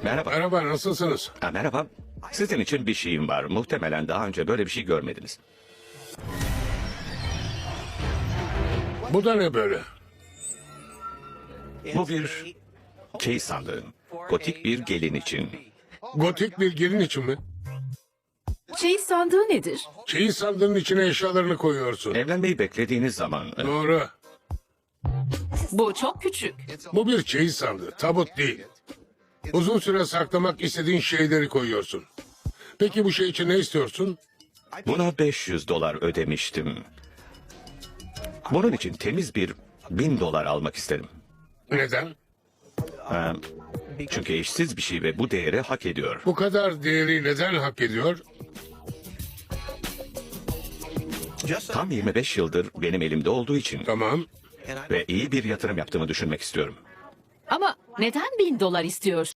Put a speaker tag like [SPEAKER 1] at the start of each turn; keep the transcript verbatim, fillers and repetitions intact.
[SPEAKER 1] Merhaba.
[SPEAKER 2] Merhaba, nasılsınız?
[SPEAKER 1] Ha, merhaba. Sizin için bir şeyim var. Muhtemelen daha önce böyle bir şey görmediniz.
[SPEAKER 2] Bu da ne böyle?
[SPEAKER 1] Bu bir çeyiz sandığı. Gotik bir gelin için.
[SPEAKER 2] Gotik bir gelin için mi?
[SPEAKER 3] Çeyiz sandığı nedir?
[SPEAKER 2] Çeyiz sandığının içine eşyalarını koyuyorsun.
[SPEAKER 1] Evlenmeyi beklediğiniz zaman... e,
[SPEAKER 2] Doğru.
[SPEAKER 3] Bu çok küçük.
[SPEAKER 2] Bu bir çeyiz sandığı, tabut değil. Uzun süre saklamak istediğin şeyleri koyuyorsun. Peki bu şey için ne istiyorsun?
[SPEAKER 1] Buna beş yüz dolar ödemiştim. Bunun için temiz bir bin dolar almak isterim.
[SPEAKER 2] Neden?
[SPEAKER 1] Ha, çünkü eşsiz bir şey ve bu değeri hak ediyor.
[SPEAKER 2] Bu kadar değeri neden hak ediyor?
[SPEAKER 1] Tam yirmi beş yıldır benim elimde olduğu için
[SPEAKER 2] Tamam.
[SPEAKER 1] ve iyi bir yatırım yaptığımı düşünmek istiyorum.
[SPEAKER 3] Ama neden bin dolar istiyorsun?